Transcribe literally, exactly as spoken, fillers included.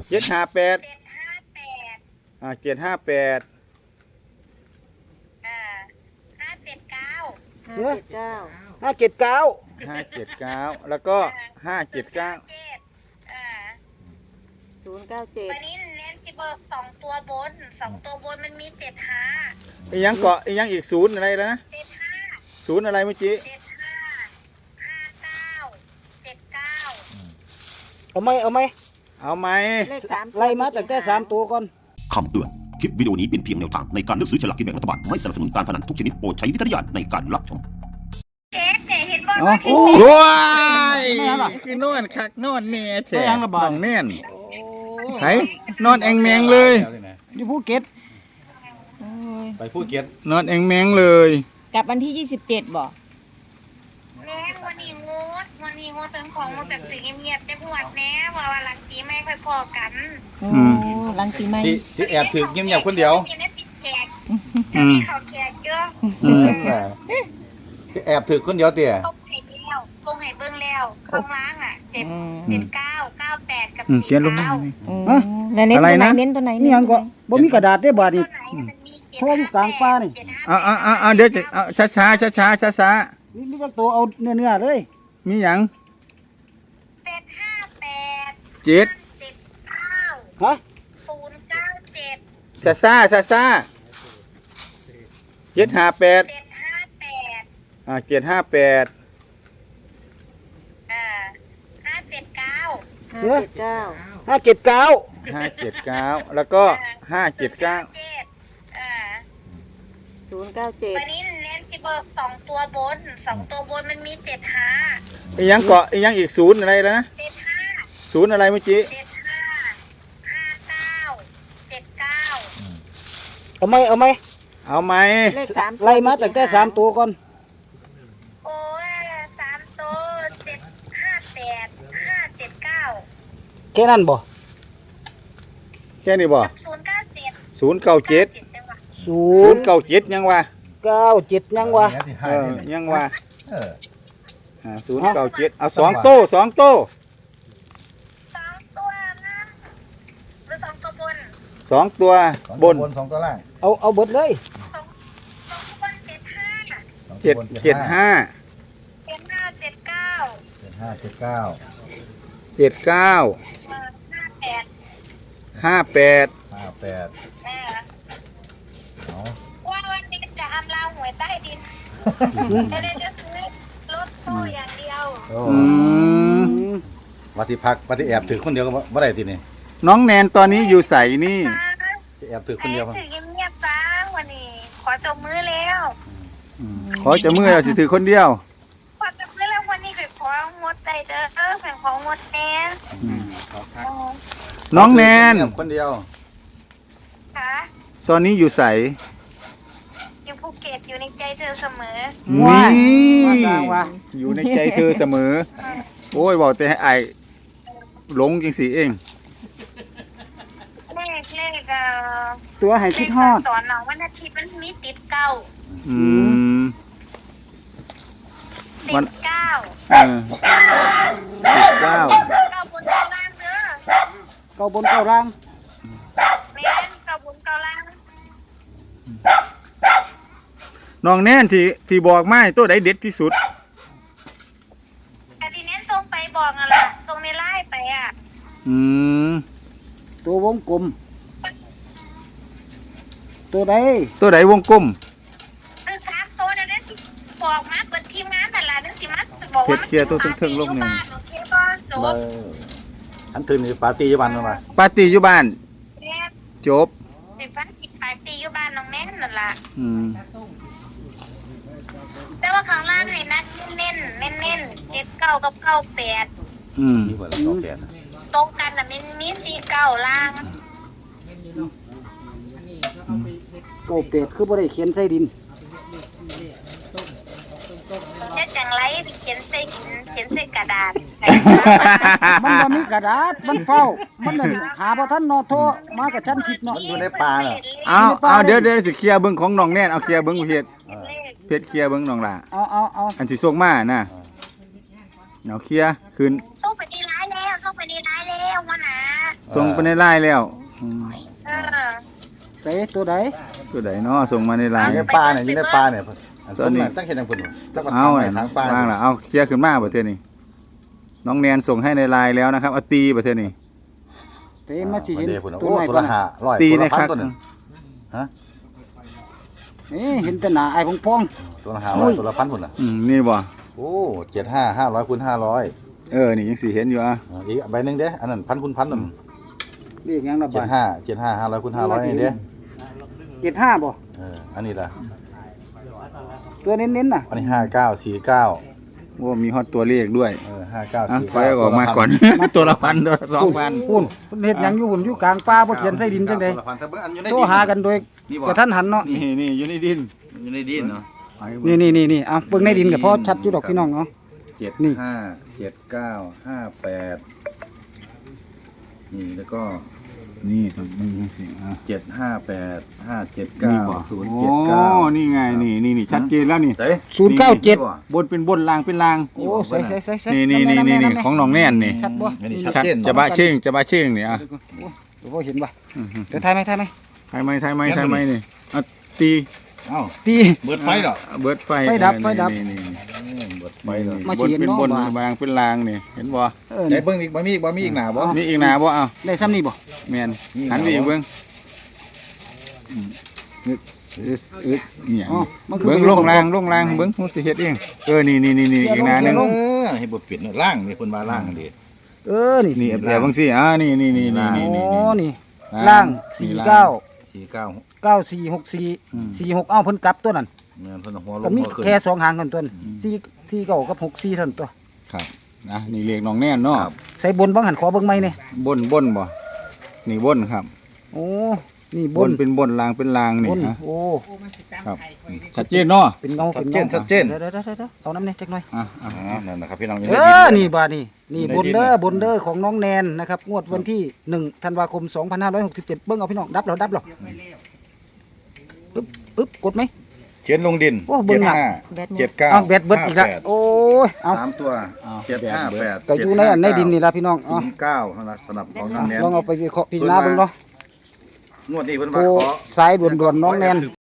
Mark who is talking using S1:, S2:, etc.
S1: เจ็ดห้าแปด
S2: เจ็ดห้าแปด
S1: อ่าเจ็ดห้าแปด
S2: อ่าห้าเจ็ดเก้า
S3: ห้าเจ็ดเก้า
S4: ห้าเจ็ดเก้า
S1: ห้าเจ็ดเก้าแล้วก็ห้าเจ็ดเก้า
S2: อ่า
S3: ศูนย์เก้าเจ็ด
S2: วันนี้เน้นสิเบิกสองตัวบนสองตัวบนมันมีเจ็ดห้า
S1: อีกยังเกาะอีกยังอีกศูนย์อะไรแล้วนะ
S2: เจ็ดห้า
S1: ศูนย์อะไรเมื่อกี้
S2: เจ็ดห้าห้าเก้าเจ็ดเก้า
S4: เอาไหมเอาไหม
S1: เอาไหม
S3: เลขสาม
S4: ไล่มาตั้งแต่สามตัวก่อน
S5: คำเตือน คลิปวิดีโอนี้เป็นเพียงแนวทางในการเลือกซื้อฉลากกินแบ่งรัฐบาล ไม่สนับสนุนการพนันทุกชนิดโปรดใช้วิจารณญาณในการรับชม
S2: เอ๊ะเนี่ยเห็นบอล
S4: อ๋อ
S2: ว่า
S4: โอ้
S1: ว้ายคือนอนคักนอนแน่แท้
S4: ไปยังระบาด
S1: น้องแน่นไห้นอนแองแมงเลย
S4: อยู่ภูเก็ต
S3: โอ้ย
S6: ไปภูเก็ต
S1: นอนแองแมงเลย
S3: กลับวันที่ยี่สิบเจ็ดบ่
S2: แน่วันนี้งดวันนี้งดเป็นของงดแบบสีเงียบๆจะบวชแน่ว่าวันหลังปีไม่ค่อยพอกัน
S3: โอ้ลังสีไหม
S6: ที่ที่แอบถือเงียบๆคนเดียว
S2: ไม่ได้ปิดแขกจะมีเขาแขกเยอะ
S1: อืม
S6: ที่แอบถือคนเดียวเตี๋ย
S2: ส่งให้แล้วส่งให้เบิ้งแล้วข้างล่างอ่ะเจ็ดเจ็ดเก้าเก้าแปดกับ
S1: อืม
S2: สี่
S1: เขียนลงมา
S2: เก้า
S3: อืมแล้วเน้น
S1: อะไร
S3: ตัวไหน
S1: นะ
S3: เน้นตัวไหน
S4: นี่ยังก็บ่มีกระดาษได้บาดนี่
S2: ตัวไหนมันมีเจ็ด
S4: โทรอยู่กลางป่านี่
S2: เจ็ดห้
S1: เอาเอาเอาเอาเดี๋ยวจะเอาช้าช้าช้าช้าช้าช้า
S4: นี่นี่ก็ตัวเอาเนื้อเนื้อๆเลย
S1: ๆมีหยัง
S2: เจ็ดห้าแปด
S1: เจ็ด
S2: เจ็ดเก้า
S4: ฮะ
S2: ศูนย์เก้าเจ็ด
S1: ช้าช้าช้าช้าเจ็ดห้าแปด
S2: เจ็ดห้าแปด
S1: อ่าเจ็ดห้าแปด
S2: อ่าห้าเจ็ดเก้า
S3: ห้าเจ็ดเก้า
S4: ห้าเจ็ดเก้า
S1: ห้าเจ็ดเก้าแล้วก็ห้าเจ็ดเก้า
S2: อ่า
S3: ศูนย์เก้าเจ็ด
S2: วันนี้เน้นสิเบิกสองตัวบนสองตัวบนมันมีเจ็ดห้า
S1: อีกยังเกาะอีกยังอีกศูนย์อะไรแล้วนะ
S2: เจ็ดห้า
S1: ศูนย์อะไรเมื่อกี้
S2: เจ็ดห้าห้าเก้าเจ็ดเก้า
S4: เอาไหมเอาไหม
S1: เอาไหม
S3: เลขสาม
S4: ไล่มาตั้งแต่สามตัวก่อน
S2: โอ้ยสามตัวเจ็ดห้าแปดห้าเจ็ดเก้า
S4: แค่นั้นบ่
S1: แค่นี้บ่
S2: ศูนย์เก้าเจ็ด
S1: ศูนย์เก้าเจ็ด
S2: จังหวะ
S4: ศู
S1: ศู
S4: น
S1: น
S4: ย์
S1: ย์เก้าเจ็ดยังวะ
S4: เก้าเจ็ดยังวะ
S6: เนี่ยที่
S1: เอ
S6: ให้
S1: อ
S6: นี่
S1: ยังวะ
S6: เออ
S1: อ่าศูนย์เก้าเจ็ดเอาสองโต้สองโต้
S2: สองตัวนะหรือสองตัวบน
S1: สองตัว
S6: สอง
S1: บ
S6: ตัวน บนสองตัวล่าง
S4: เอาเอาเบิดเลย
S2: สองสองตัวบนเจ็ดห้า
S6: สองตัว
S1: เจ็ด
S6: บน
S1: เจ็ดห้า
S2: เจ็ดห้าเจ็ดเก้า
S6: เจ็ดห้าเจ็ดเก้า
S1: เจ็ดเก้า
S2: เออห้าแปด
S1: ห้าแปด
S6: ห้าแปด
S2: เออ
S6: เอา
S2: ว่าวันนี้จะอำลาหวยใต้ดินจะได้จะซื้อรถตู้อย่างเดียว
S6: โอ้
S1: อืม
S6: วัติพักวัติแอบถือคนเดียวก็บ่ได้ทีนี่
S1: น้องแนนตอนนี้อยู่ใสนี่
S6: จะแอบถือค
S2: ให้
S6: นเดียว
S2: ถือเงียบๆซะวันนี้ ขอจบมือแล้ว
S1: ขอจะมือเราสิถือคนเดียว
S2: ขอจบมือแล้ววันนี้คือของดใจเด้อเป็นของงดแน่
S1: น้องแนน
S6: คนเดียว
S2: ค่ะ
S1: ตอนนี้อยู่ใส
S2: อยู่ภูเก็ตอยู่ในใจเธอเสมอ
S4: ว้า
S1: นี่
S4: ว่าจังวะ
S1: อยู่ในใจเธอเสมอ โอ้ยบอกแต่ให้ไอายหลงจังสีเอง
S2: เลขเลขเอ่อ
S4: ตัวให้
S2: เล
S4: คิด
S2: ข
S4: ฮอด
S2: สอนน้องวันอาทิตย์มันมีติดเก้า
S1: อืม
S2: ติ
S1: วัน
S2: ดเก้า
S1: เออสิบเก้า
S2: เก้าบนเก้าล่างเด้อ
S4: เก้าบนเก้าล่าง
S2: แม่นเก้าบนเก้าล่าง
S1: น้องแนนที่ที่บอกมาตัวใดเด็ดที่สุด
S2: แต่ทีนี้ส่งไปบอกนั่นแหละส่งในไลน์ไปอ่ะ
S1: อืม
S4: ตัววงกลม ตัวใด
S1: ตัวใดวงกลม
S2: คือสามตัวเดี๋ยวนี้บอกมาเปิดทีมงานแต่ละเดี๋ยวสิมาจะบอกว่ามัน
S1: เพจเคลียร์ตัวเทิงๆลงหนึ่ง
S2: โอเคป่ะจบ
S6: อันถือนี่ปาร์ตี้อยี่วันมา
S1: ปาร์ตี้อยู่บ้าน
S2: แม่
S1: จบ
S2: สิฟันกิดปาร์ตี้อยู่บ้านน้องแน่นนั่นล่ะ
S1: อืม
S2: แต่ว่าข้างล่างให้นัดเน้นเน้นเน้นเจ็ดเก้ากับเก้าแปด
S1: อืม
S6: นี่เหมือนสองแปดนะ
S2: ตรงกันน่ะมันมีสี่เก้าล่าง
S4: โอ้เป็ดคือบ่ได้เขียนใส่ดิน
S2: จะจังไรไปเขียนใส่หินเขียนใส่กระดาษ
S4: มันบ่มีกระดาษ มันเฝ้า มันนั่นหาบ่ทันเนาะโทรมากับฉันคิดเนาะ
S6: อยู่ในป่าน่ะ
S1: เอาเอาเดี๋ยวเดี๋ยวสิเคลียร์เบิ้งของน้องแนนเอาเคลียร์เบิ้งเพจ
S2: เลข
S1: เพจเคลียร์เบิ้งน้องล่ะ
S4: เอาเอาเอา
S1: อันที่ส่งมาน่ะเอาเคลียร์คืน
S2: ส่งไปดีร้ายแล้วส่งไปดีร้ายแล้ววะนะ
S1: ส่งไปในไลน์แล้วอืม
S2: เออ
S4: ใส่ตัวใด
S1: ตัวใดเนาะส่งมาในไลน์
S6: ในปลาเนี่ยอยู่ในปลาเนี่ยอัน
S1: ตอนนี้
S6: นี้ตั้งเห็นยังเพิ่นตั้ง
S1: เอา
S6: ทางไหน
S1: น่ะ
S6: ทางปลา
S1: ว่างล่ะเอาเคลียร์ขึ้นมาประเทศนี้น้องแนนส่งให้ในไลน์แล้วนะครับเอาตีประเทศนี้
S4: เตมาสิเห็น
S6: เดี๋ยวพุ่น
S4: ตัว
S6: โอ้
S4: ไหน
S6: ตัว
S4: ก่อ
S6: ละ
S4: น
S6: ห้าร้อย
S1: ตี
S6: ตัว
S1: ใน
S6: ละพั
S1: คั
S6: น
S1: ก
S6: ตัวหนึงฮะ
S4: นี่เห็นแต่หน้าไอ้พอง
S6: ตัวละห้าร้อยตัวละพันพุ่นน่ะ
S1: อืมนี่บ่
S6: โอ้เจ็ดห้าห้าร้อยคูณห้าร้อย
S1: เออนี่ยังสิเห็นอยู่อ่ะ
S6: อีกใบหนึงเด้อันนั้นพันคูณพันนั่น
S4: ๆเรียกหยังล่ะ
S6: เจ็
S4: บา
S6: ด
S4: ด
S6: ห้าเจ็ดห้าห้าร้อยคูณห้าร้อยนี่เด้
S4: เจ็ดห้าบ่
S6: เอออันนี้ล่ะ
S4: ตัวเน้นๆน่ะ
S6: อันนี้ห้าเก้าสี่เก้า
S1: โอ้มีฮอตตัวเลขด้วย
S6: เออห้าเก้า
S1: อ่ะ
S6: สี่
S1: ไฟ
S6: เก้า
S1: ออกมาก่อน ตัวละพันตัวละสองพัน
S4: พุ่นเพิ่นเฮ็ดหยังอยู่พุ่นอยู่กลางป่าบ่เขียนใส่ดินจังได๋
S6: ตัวละพันถ้าเบิ่งอันอยู่ใน
S4: โทร
S6: ดิน
S4: หากันโดย
S6: นี่บ่
S4: กระทันหันเนาะ
S1: นี่นี่อยู่ในดิน
S6: อยู่ในดินเนาะ
S4: นี่นี่นี่นี่เอาเบิ่งในดินก็พอชัดอยู่ดอกพี่น้องเนาะ
S6: เจ็ด
S4: นี่
S6: ห้าเจ็ดเก้าห้าแปดนี่แล้วก็
S1: นี่ตรงนี้สิอ่ะ
S6: เจ็ดห้าแปดห้าเจ็ด
S1: นี่
S6: เก้า
S1: บ่
S6: ศูนย์
S1: โอ้
S6: เจ็ดเก้า
S1: นี่ไงนี่นี่นี่ชัดเจนแล้วนี่
S6: ใส่
S4: ศูนย์เก้าเจ็ด
S1: บนเป็นบนล่างเป็นล่าง
S4: โอ้ใส่ใส่ใส่ใส่
S1: นี่นี่นี่นี่นี่ของน้องแน่นนี่
S4: ชัดบ่
S6: อันนี้ชัด
S1: ชัด
S6: เจน
S1: จะบะเชิงจะบะเชิงนี่อ่ะ
S4: เดี๋ยวบ่เห็นบ่
S1: อือฮึ
S4: เดี๋ยวถ่ายไหมถ่ายไหม
S1: ไทยไหมไทยไหมไทยไหมนี่เอาตี
S6: เอ้า
S4: ตี
S6: เบิดไฟเหรอ
S1: เบิดไฟ
S4: ไฟดับ
S1: เออ
S4: ไฟดับ
S1: นี่นี่
S6: เบิดไฟเหรอ
S4: มา
S1: บน
S4: เฉียน
S1: เป็น
S4: เนาะ
S1: บน
S4: ว่า
S1: บางเป็นลางนี่เห็นบ่
S4: เออ
S6: ไหน
S4: นี่
S6: เบิ่งอีกบ่มีอีกบ่มีอีกหนาบ่
S1: มีอีกหนาบ่เอา
S4: ได้ซ้ำนี่บ่
S1: แม่น
S6: นี่
S1: หันไป
S6: หนาบ่
S1: อีกเบิ่งอืมอึดอึดอึดเนี่ย
S4: อ๋อมันคือ
S1: เบิ่งลงล่างลงล่างเบิ่งผมสิเฮ็ดเองเออนี่นี่นี่นี่อีกหนาหนึง
S6: เออให้บ่ปิดเนาะล่างนี่เพิ่นว่าล่างอันนี้
S4: เออนี่
S1: นี่แอบๆบางสิอ่านี่นี่นี่นี่นี่
S4: โอ้
S1: นี่
S4: นี่ล่างสี่เก้า
S6: สี่เก้า
S4: เก้าสี่หกสี่
S1: อืม
S4: สี่หกเอ้าเพิ่นกลับตัวนั้น
S6: แม่นเพิ่นเอาหัวล
S4: ก็
S6: ง
S4: มี
S6: หัวขึ้น
S4: แค่สองหางกันตัวนั้นสี่สี่เก้ากับหกสี่เท่านั้นตัว
S1: ครับนะนี่เลขน้องแน่นเนาะ
S4: ใส่บนบ้างหันขอเบิ่งไหมเนี่ย
S1: บนบนบ่นี่บนครับ
S4: โอ้นี่
S1: บบ น
S4: น
S1: เป็นบนลางเป็นลางนี่
S4: บน
S1: นะ
S4: โอ้
S1: ครับชัดเจนเนาะ
S4: เป็นเงา
S6: ชั
S4: เป็
S6: ด
S4: น
S6: เจ
S4: เงาน
S6: ชัดเจน
S4: เดี๋ยวเดี๋ยวเดี๋ยวเดี๋ยวเอาน้ำเนี่ยจักหน่อย
S1: อ่ะอ่ะ
S6: อ่านั่นนะครับพี่น้องอยู่
S4: เอ
S6: ในดิ
S4: อ
S6: น
S4: นี่บาดนี่นี่
S6: อยู่ใน
S4: บน
S6: ดิน
S4: เด้อ
S6: น่ะ
S4: บนเด้อของน้องแนนนะครับงวดวันที่หนึ่งธันวาคมสองพันห้าร้อยหกสิบเจ็ดเบิ่งเอาพี่น้องดับเหรอดับเหรอปึ๊บปึ๊บกดไหม
S6: เขียนลงดิน
S4: โอ้เบิ่งหนัก
S3: แบตหมด
S6: เจ็ดเก้า
S4: เอาแบตเบิดอีกแล้ว
S6: ห้าแปด
S4: โอ้ยเอา
S6: สามตัวเจ็ดห้าแปด
S4: ก็อยู่ในอันในดินนี่ละพี่น้อง
S6: ศู
S4: เอา
S6: นย์เก้าสำหรับของน้องแนน
S4: ลองเอาไปวิเคราะห์พิจารณาเบิ่งเนาะ
S6: งวดนี้เพิ่น
S4: โอ้
S6: ว่าขอ
S4: สายด่วนๆน้องแนน